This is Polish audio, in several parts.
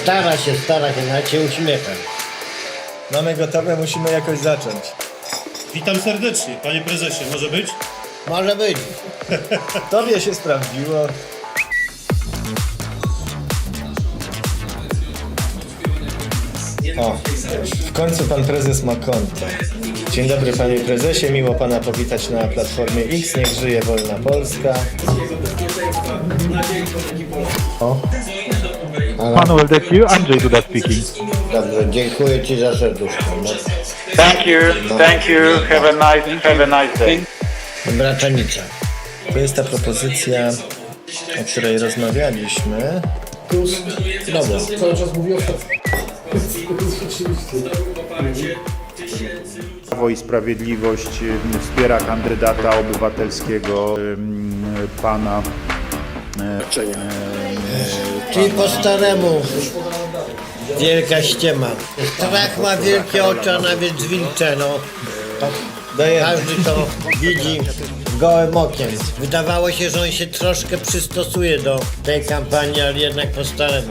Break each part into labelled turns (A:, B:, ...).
A: Stara się, nawet się uśmiecha.
B: Mamy gotowe, musimy jakoś zacząć.
C: Witam serdecznie, panie prezesie, może być?
A: Może być.
B: Tobie się sprawdziło. O, w końcu pan prezes ma konto. Dzień dobry panie prezesie, miło pana powitać na Platformie X, niech żyje wolna Polska. O.
D: Manuel, that's you. Andrzej Duda speaking.
A: Dobrze, dziękuję ci za serduszko. No.
D: Thank you. Have a nice day.
A: Braczanica.
B: To jest ta propozycja, o której rozmawialiśmy.
A: Dobra.
E: Cały czas mówię o
F: Prawo i Sprawiedliwość wspiera kandydata obywatelskiego pana.
A: Czyli po staremu. Wielka ściema. Strach ma wielkie oczy, a nawet zwilcze, no.
B: Dajemy.
A: Każdy to widzi gołym okiem. Wydawało się, że on się troszkę przystosuje do tej kampanii, ale jednak po staremu.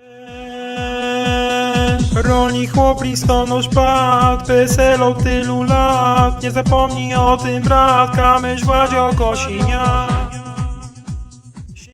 G: Rolnik, chłop, listonosz, pat, PSL od tylu lat. Nie zapomnij o tym, brat, Kamysz, Władzio, Kosiniak.